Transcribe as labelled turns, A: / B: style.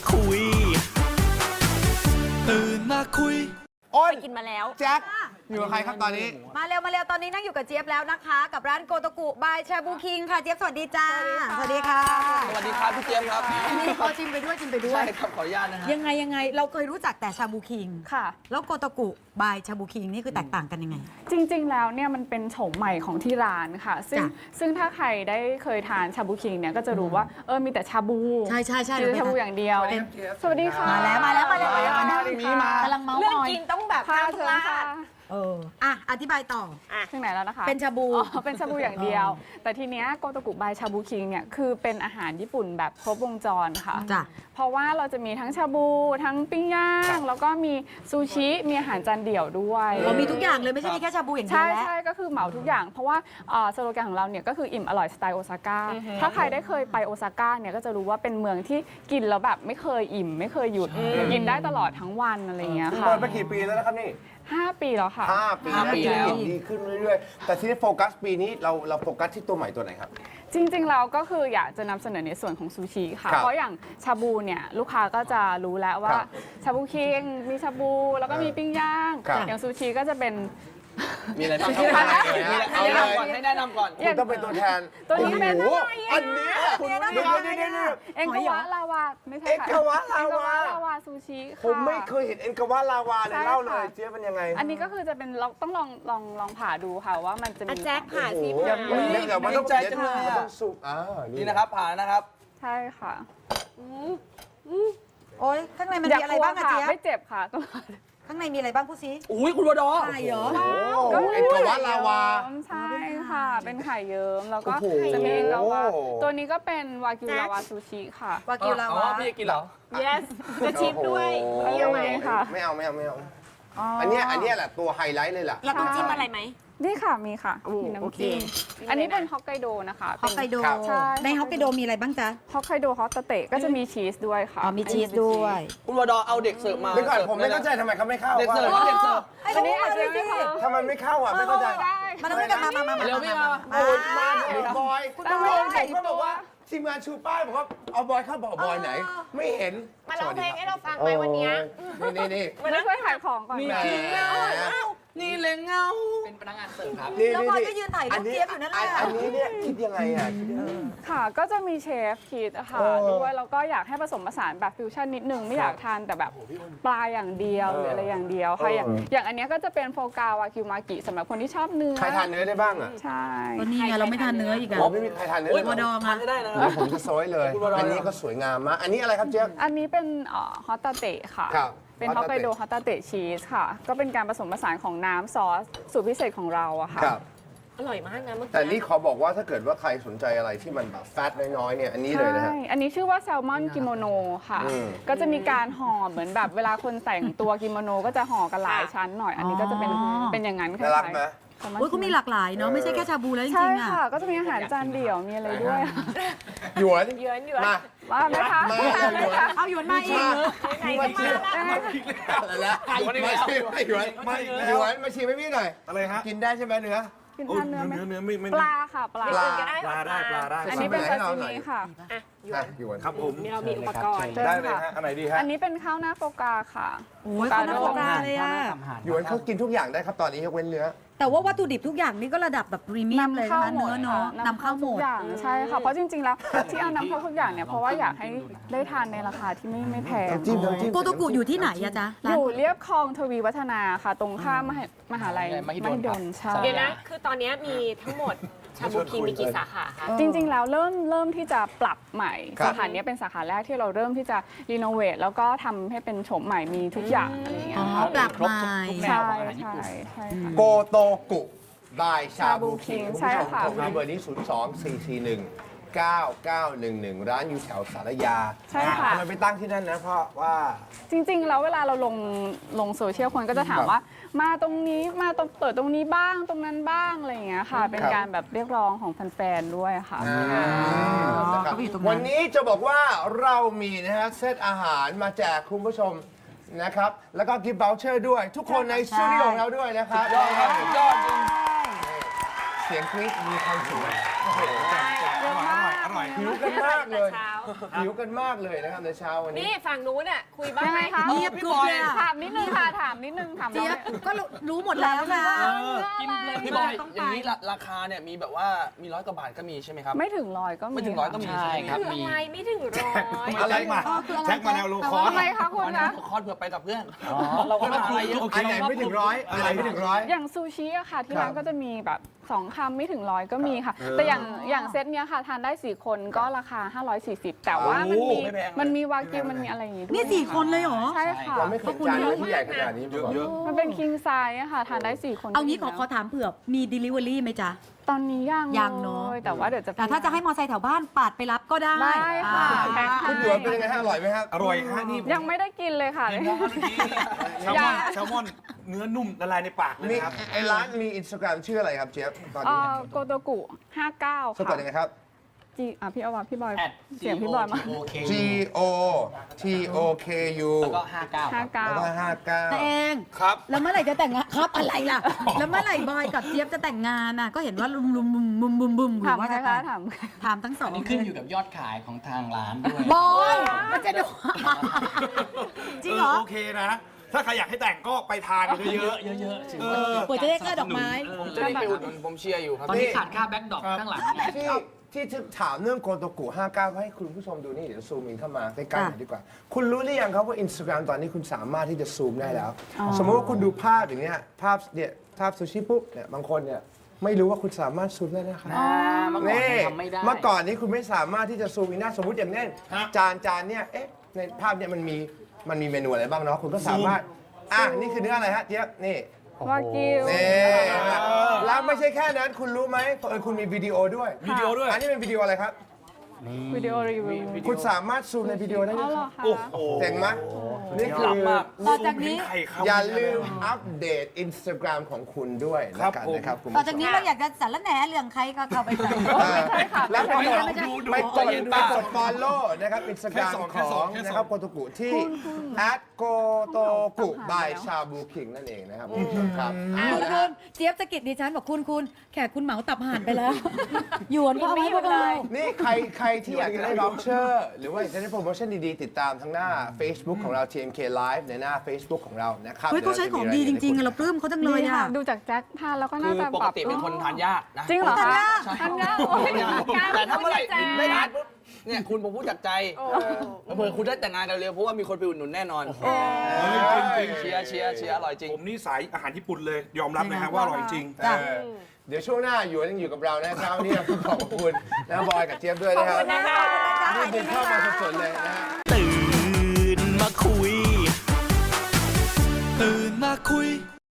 A: คุยตื่นมาคุย
B: อ้น
C: ไปกินมาแล้ว
B: แจ็คอยู่กับใครครับตอนนี้
D: มาเร็วมาเร็วตอนนี้นั่งอยู่กับเจี๊ยบแล้วนะคะ กับร้านโกโตกุบายชาบูคิงค่ะเจี๊ยบสวัสดีจ้าสวัสดีค่ะ
E: สวัสดีครับพี่เจี๊ยบครับ
D: นี่ขอจิ้มไปด้วยจิ้มไปด้ว
E: ใช่
D: ย
E: ครับขออนุญาตนะฮะ
D: ยังไงเราเคยรู้จักแต่ชาบูคิง
F: ค่ะ
D: แล้วโกโตกุบายชาบูคิงนี่คือแตกต่างกันยังไง
F: จริงๆ แล้วเนี่ยมันเป็นโฉมใหม่ของที่ร้านค่ะ ซึ่ง
D: จ้ะ
F: ซึ่งถ้าใครได้เคยทานชาบูคิงเนี่ยก็จะรู้ว่ามีแต่ชาบู
D: ใช่
F: คือชาบูอย่างเดียว สวัสดีค่ะ
D: มาแล้ว
F: สวัสดีค่ะ
D: กำลังเมาส์
C: เรื่อง
D: มอย
C: กินต้องแบบ
F: ค่ะ
C: ห้ามพ
F: เชิญ
C: ลา
F: ค่ะ
C: ด
D: อธิบายต่อ
F: ถึงไหนแล้วนะคะ
D: เป็นชาบู
F: เป็นชาบูอย่างเดียว แต่ทีเนี้ยโกโตกุบายชาบูคิงเนี่ยคือเป็นอาหารญี่ปุ่นแบบครบวงจรค่ะ
D: จ้ะ
F: เพราะว่าเราจะมีทั้งชาบู ทั้งปิ้งย่าง แล้วก็มีซูชิ มีอาหารจานเดี่ยวด้วย
D: เรามีทุกอย่างเลยไม่ใช่มีแค่ชาบูอย่างเดียว
F: ใช่
D: แล้ว
F: ใช่ก็คือเหมาทุกอย่าง เพราะว่าสโลแกนของเราเนี่ยก็คืออิ่มอร่อยสไตล์โอซาก้าถ้าใครได้เคยไปโอซาก้าเนี่ยก็จะรู้ว่าเป็นเมืองที่กินแล้วแบบไม่เคยอิ่ม ไม่เคยหยุดกินได้ตลอดทั้งวันอะไรอย่างเงี้ยค่ะ
B: เปิดมากี่ปีแล้วนะครับนี่
F: 5 ปีแล้วค่ะ
B: 5 ปี
E: 5 ปีแล้ว
B: ดีขึ้นเรื่อยๆ แต่ที่โฟกัสปีนี้เราโฟกัสที่ตัวใหม่ตัวไหนครับ
F: จริงๆเราก็คืออยากจะนำเสนอในส่วนของซูชิค่ะ
B: ครับ
F: เพราะอย่างชาบูเนี่ยลูกค้าก็จะรู้แล้วว่า
B: ครับ
F: ชาบูคิงมีชาบูแล้วก็มีปิ้งย่าง
B: ครับ
F: อย่างซูชิก็จะเป็น
E: มีอะไรบ้าง
F: มีอะไร
E: มีอะไรเอาเลยก่อนให้แนะนำก่อน
B: คุณต้องเป็นตัวแทน
F: ตัวนี้เป็น
B: โอ้โหอันเนี้ยเดี๋ยว
F: เอ็งกวะลาวาไม่ใช่
B: เอ็ง
F: ค่ะ
B: กวะลาวา
F: เอ็งกวะลาวาซูชิค่ะ
B: ผมไม่เคยเห็นเอ็นกาวาลาวาเลย
F: ใช่
B: เล่าเลย
F: ค่ะ
B: เจ๊ยบเป็นยังไง
F: อันนี้ก็คือจะเป็นเราต้องลองผ่าดูค่ะว่ามันจะมี
C: แจ็คผ่า
B: โอ้โห
C: สิ
B: เดี๋ยว
C: ผ่า
B: เดี๋ยวมันต้อง
E: ใจจังเลย
B: มัน
E: อะ
B: ต้องสุก
E: นี่นะครับผ่านนะครับ
F: ใช่ค่ะ
D: โอ๊ยข้างในมัน
F: อย่า
D: มีอะไร
F: กลัว
D: บ้างอะ
F: ค่ะ
D: เจี๊ยบ
F: ไม่เจ็บค่ะ
D: ข้างในมีอะไรบ้างพูดซิ
E: อุ้ยคุณวดอ
D: ไข่เหรอ
F: ก็มี
B: เอ็นกาวาลาวา
F: ใช่ค่ะ เป็นไข่เยิ้มแล้วก็
B: โอ้โห
F: จะมีเอ็นกาวาตัวนี้ก็เป็นวากิวลาวาซูชิค่ะ
D: วากิวลาวา
E: พี่จะกินเหรอ
C: yes จะชิมด้วย
B: โอ้โห
F: เยี่ยมเลยค่ะ
B: ไม่เอาอันเนี้ยแหละตัวไฮไลท์เลยล่ะ
C: เราต้องจิ้มอะไรไหม
F: นี่ค่ะมีค่ะมี
C: โอ
F: น้ำ
C: เค
F: จิ้มอันนี้เป็นฮอกไกโดนะคะ
D: ฮอกไกโด
B: ครับ
F: ใช่
D: ในฮอกไกโดมีอะไรบ้างจ๊ะ
F: ฮอกไกโดฮอตเตะก็จะมีชีสด้วยค่ะ
D: อ๋อมีชีสด้วย
E: คุณวดอเอาเด็กเสิร์ฟมา
B: เดี๋ยวก่อนผมไม่เข้าใจทำไมเขาไม่เข้า
E: เด็กเสิร์ฟ
B: ว่า
E: เด็กเสิร์ฟ
F: อันนี้อาจจะไม่พอ
B: ถ้ามันไม่เข้าไม่เข้าใจ
F: ได้
D: มาด้วยกันมา
E: เร็วพี่มา
B: โอ้ยมาเดี๋ยวบอยคุณต้องลงผมก็บอกว่าทีมงานชูป้ายบอกว่าเอาบอยเข้าบอกบอยไหน ไม่เห็น
C: มาร้องเพลงให้เราฟังไหมวันเนี้ย
B: นี่
F: มันช่วยขายของก่อน
E: มี
F: ค่ะ
E: จริงนี่เลยเงาเป็นพนักงานเสิร์ฟครับ
D: แล้วบอยก็ยืนถ่ายรูปเจี๊ยบอยู่นั่นแหละ
B: อันนี้เนี่ยคิดยังไงอ่ะ
F: ค่ะ ก็จะมีเชฟคิดค่ะ
B: เออ
F: ด้วยแล้วก็อยากให้ผสมผสานแบบฟิวชั่นนิดนึงไม่อยากทานแต่แบบปลาอย่างเดียวหรืออะไรอย่างเดียวค่ะอย่างอันเนี้ยก็จะเป็นโฟกาวากิวมากิสำหรับคนที่ชอบเนื้อ
B: ใครทานเนื้อได้บ้างอ่ะ
F: ใช่
D: ก็นี่ไงเราไม่ทานเนื้ออีกอะ
B: ไม่มีใครทานเนื้อ
D: วดอมา
E: ไม่ได้นะ
B: ผมจะโซยเลย อันนี้ก็สวยงามมากอันนี้อะไรครับเจ๊ยบ
F: อันนี้เป็นฮอตตาเตะค่ะ
B: ครับ
F: เป็นฮอกไกโดฮอตตาเตะชีสค่ะ ก็เป็นการผสมผสานของน้ำซอสสูตรพิเศษของเราอะค่ะ
B: ครับ
C: อร่อยมากนะเมื่อกี้
B: แต่นี่ขอบอกว่าถ้าเกิดว่าใครสนใจอะไรที่มันแบบแฟตน้อยๆเนี่ยอันนี้เลยนะฮะ
F: ใช่ อันนี้ชื่อว่าแซลมอนกิโมโนค่ะ
B: อืม
F: ก็จะมีการห่อเหมือนแบบเวลาคนแต่งตัวกิโมโนก็จะห่อกันหลายชั้นหน่อย อันนี้ก็จะเป็น
D: อ๋อ
F: เป็นอย่างนั้น
B: น่ารักไหม
F: แซลมอน
D: โอ้ยก็มีหลากหลายเนาะไม่ใช่แค่ชาบูแล้วจ
F: ใช่
D: ริงๆอะ
F: ค่ะ ก็จะมีอาหารจานเดี่ยว มีอะไรด้วย
B: หยวน
C: เยือนอยู่
B: มา
F: ว่าไหมคะ
B: มา
D: เอาหยวนมาอีก
C: ไหนกันมาแล้ว
B: อะไรละมาชิมให้หยวนหยวนมาชิมให้พี่หน่อยอะไรฮะกินได้ใช่ไหมเนื้อ
F: กินทานเนื้อไหม
G: เนื้อไม่
F: ปลาค่ะปลา
B: ปลา
C: ก็ได้
G: ปลาได้ปลาได้
F: อันนี้เป็น
B: ให้
F: ซา
B: เรา
F: ซิ
B: หน่อย
F: มิค่ะ
C: อ่ะหยวน
B: อ่ะหยวน
G: ครับผม
C: นี่เรามีอุปกรณ์
G: ได้เลยฮะอันไหนดีฮะ
F: อันนี้เป็นข้าวหน้าโฟกาค่ะ
D: โอ้ยคนน่าโฟกาเลยอะ
B: หยวนเขากินทุกอย่างได้ครับตอนนี้ยกเว้นเนื้อ
D: แต่ว่าวัตถุดิบทุกอย่างนี่ก็ระดับแบบพรีเมียมเลยนะคะเนื้อเนาะนำเข้าหม
F: ทุ
D: ด
F: กอย่างใช่ค่ะ เพราะจริงๆแล้วที่เอานำเข้าทุกอย่างเนี่ยเพราะว่าอยากให้ได้ทานในราคาที่ไม่แพง
B: น้ำจิ้มน้ำจิ้ม
D: โกโตกุอยู่ที่ไหนอะจ๊ะ
F: อ
D: ร้าน
F: ยู่เรียบคลองทวีวัฒนาค่ะ ตรงข้ามมหาลัย
E: มหิดลครับ
F: ใช่
C: เดี๋ยวนะ คือตอนนี้มีทั้งหมดชาบูคิงมีกี่สาขาคะ
F: จริงๆแล้วเริ่มที่จะปรับใหม่
B: ครับ
F: สาขาเนี้ยเป็นสาขาแรกที่เราเริ่มที่จะรีโนเวทแล้วก็ทำให้เป็นโฉมใหม่มีทุกอย่างอะไรอย่างเงี้
D: อ๋
F: ย
D: อ
F: ค่ะ
D: ปรับใหม่
E: แน
F: ใช่
E: วของอาหารญี่
F: ใช่
E: ปุ่น
F: ใช่ค่ะ
B: โกโตกุบายชาบูคิง
F: ใช่ค่ะ
B: โทรมาเบอร์นี้ 024419911 ร้านอยู่แถวสารยา
F: ใช่ค่ะ
B: ทำไมไปตั้งที่นั่นนะ เพราะว่า
F: จริงๆแล้วเวลาเราลงโซเชียลคนก็จะถามว่า มาตรงนี้มาตรงเปิดตรงนี้บ้างตรงนั้นบ้างอะไรอย่างเงี้ยค่ะ เป็น
B: ครับ
F: การแบบเรียกร้องของแฟนๆด้วยค่ะ
B: นะครับ
D: เขาไปอยู่ตรงนั้น
B: วันนี้จะบอกว่าเรามีนะฮะเซตอาหารมาแจกคุณผู้ชมนะครับ แล้วก็กิฟต์ o วเชอร์ด้วย ทุกคนในสตูดิโอของเราด้วยนะครับ
E: ยอดครับยอดจริง
B: เสียงกรี๊ดมีความสุข
G: อร่อย
B: หิวกันมากเลยหิวกันมากเลยนะครับในเช้าวันนี้
C: นี่ฝั่งนู้นอ่ะคุยบ้าง
F: ยัง
C: ไห
F: ไง
C: ม
F: คะ
D: เงียบกริบเลยอะ
F: ถามนิดนึงค่ะถามนิดนึงถาม
D: เจี๊ยบ
F: น้อง
D: ก็รู้หมดแล้วค่ะ
E: กินเลยพี่บอยอย่างนี้ราคาเนี่ยมีแบบว่ามี100 กว่าบาทก็มีใช่ไหมครับ
F: ไม่ถึง100ก็มี
E: ไม่ถึง100ก็มี
A: ใช่ครับ
C: คืออะไรไม่ถึงร้อย
B: อะไรมา
D: คืออะไร
B: แจ็คมาแนวโลคอร์ส
F: ทำไมคะคุณ
E: วันนั้
F: นะ
E: นคอร์สเผื่อไปกับเพื่อน
A: เราก็ต้อง
E: อะไรเยอะ
B: อันไหนไม่ถึงร้อยอะไรไม่ถึงร้อย
F: อย่างซูชิอะค่ะที่ร้าน
B: ครับ
F: ก็จะมีแบบ2 คำไม่ถึง100ก็มีค่ะ
B: เออ
F: แต่อย่างเซตเนี้ยค่ะทานได้4 คนก็ราคา 540 แต่ว่ามันมี
E: ไม่แพงเลย
F: มันมีวากิวมันมีอะไรอย่างงี้ด้วย
D: นี่4 คนเลยเหรอ
F: ใช่ค่ะ
B: เราไม่เคยจานที่ใหญ่ขนาดนี้มาก่อน
F: มันเป็นคิงไซส์อะค่ะทานได้4 คน
D: เอางี้ข
F: ก็
D: อ
F: มี
D: ขอถามเผื่อมี delivery ไหมจ๊ะ
F: ตอนนี้ยัง
D: ยังเนอะ
F: ลแต่ว่าเดี๋ยวจะ
D: แต่ถ้าจะให้มอไซค์แถวบ้านปาดไปรับก็ได้
F: ได้ค่ะ
D: อ่า
B: คุณหยวนเป็นยังไงฮะอร่อยไหมครับ
G: อร่อยฮะนี่
F: ยังไม่ได้กินเลยค่ะ
G: แซลมอนเนื้อนุ่มละลายในปากเลย
B: นี่
G: นะครับ
B: ไอ้ร้านมีอินสตาแกรมชื่ออะไรครับเจี๊ยบตอนนี้
F: โกโตกุ59
B: สะกด
F: ค่ะ
B: ยังไงครับ
F: จีพี่เอาว่าพี่บอย
A: แอด
F: เสียงพี่บอยมา
B: G O T O K U
A: แล้วก็ 59 ครับ
B: แล้วก็
D: ตัวเอ
B: 59
D: ง
G: ครับ
D: แล้วเมื่อไหร่จะแต่งงานครับอะไรล่ะ แล้วเมื่อไหร่บอยกับเจี๊ยบจะแต่งงานน่ะก็เห็นว่าลุมลุมบุมบุมบุมบุมหรื
F: ถาม
D: อว่า
F: ใคร
D: จะ
F: คะ
D: แต่ง
F: ถาม
D: ถามทั้งสอง
A: อันนี้ขึ้นอยู่กับยอดขายของทางร้านด้วย
D: บอยมันจะดู จริงเหรอ
G: โอเคนะ ถ้าใครอยากให้แต่งก็ไปทานกันเยอะ
A: เยอะๆถือ
G: เอ
A: ว่า
G: อ
D: เปิดจะได้ค่าดอกไม้
E: ผมจะได้ไปอุดหนุนผมเชียร์อยู่ครับ
A: ตอนนี้ขาดค่าแบ็คดรอปข้างหลังไง
B: ที่ถามเรื่องโกโตกุ59ให้คุณผู้ชมดูนี่เดี๋ยวซูมอินเข้ามาใกล้ๆหน่อยดีกว่า คุณรู้หรือยังครับว่า Instagram ตอนนี้คุณสามารถที่จะซูมได้แล้ว สมมติว่าคุณดูภาพอย่างเนี้ยภาพเนี่ยภาพซูชิปุ๊บเนี่ยบางคนเนี่ยไม่รู้ว่าคุณสามารถซูมได้นะครับ
A: เมื่อก่อน
B: นี่
A: ทำไม่ได้
B: เมื่อก่อนนี้คุณไม่สามารถที่จะซูมอินได้สมมติอย่างเนี้ย
G: ฮะ
B: จานเนี่ยเอ๊ะในภาพเนี่ยมันมีเมนูอะไรบ้างเนาะคุณก็สามารถนี่คือเนื้ออะไรฮะเจี๊ยบนี่
F: วากิว
B: นี่แล้วไม่ใช่แค่นั้นคุณรู้ไหมคุณมีวิดีโอด้วย
G: วิดีโอด้วย
B: อันนี้เป็นวิดีโออะไรครับ
F: วิดีโอรีวิว
B: คุณสามารถซูมในวิดีโอได้
F: อ๋
B: ด้
F: อ
B: วย
F: เหร
B: ค
F: อ
B: รับ
F: คะ
G: โอ้โห
B: เจ๋งไหมนี่คือ
E: ล้ำมาก
D: ต่อจากนี้
G: ไข่เข้า
B: อย่าลืมอัปเดต Instagram ของคุณด้วย
G: ครั
B: นะ
G: บ
B: กัน
G: ผม
B: นะครับคุณ
D: ต่อ
B: ผู้ช
D: จาก
B: ม
D: นี้เราอยากจะสารแหน่เรื่องใครก็เข้าไปใส่
B: แล้วไปกด
D: ไม่ใช่
B: ไปกด follow นะครับ Instagram ของนะครับโกโตกุที่ @gotoku by ชาบูคิงนั่นเองนะครับคุณผู้ชมครับ
D: คุณเจี๊ยบสะกิดดิฉันบอกคุณแขกคุณเหมาตับห่านไปแล้วหยวนก็เอาไว้พวกเรา
B: นี่ใครที่อยากจะได้ voucher หรือว่าอยากจะได้โปรโมชั่นดีๆ ติดตามทั้งหน้า Facebook ของเรา TMK Live ในหน้า Facebook ของเรานะครับ
D: เฮ้ยเขาใช้ของดีจริงๆอะเราปลื้มเขาจังเลย
F: นี่
D: อะ
F: ค่ะดูจากแจ็คทานแล้วก็
E: คื
F: น่า
E: อ
F: จะ
E: ป
F: แบ
E: ก
F: บ
E: ติเป็นคนทานยากนะ
F: จริงเหรอคะ
E: ใช่
F: ทานยากโอ้ยยาก
E: แต่ถ้าเมื่อไหร่
F: แจ็ค
E: ได้ทานปุ๊บเนี่ยคุณผมพูดจากใจเผื่อคุณได้แต่งงานกันเร็วเพราะว่ามีคนไปอุดหนุนแน่นอน
G: จริง
E: เชียร์อร่อยจริง
G: ผมนี่สายอาหารญี่ปุ่นเลย ยอมรับนะฮะว่าอร่อยจริง
D: จ้ะ
B: เดี๋ยวช่วงหน้าหยวนยังอยู่กับเรานะครับวันนี้เราขอบคุณนะบอยกับเจี๊ยบด้วยนะครับ
F: นะคะ
B: นี่บุกเข้ามาสดๆเลยนะฮะ
H: ตื่นมาคุย ตื่นมาคุย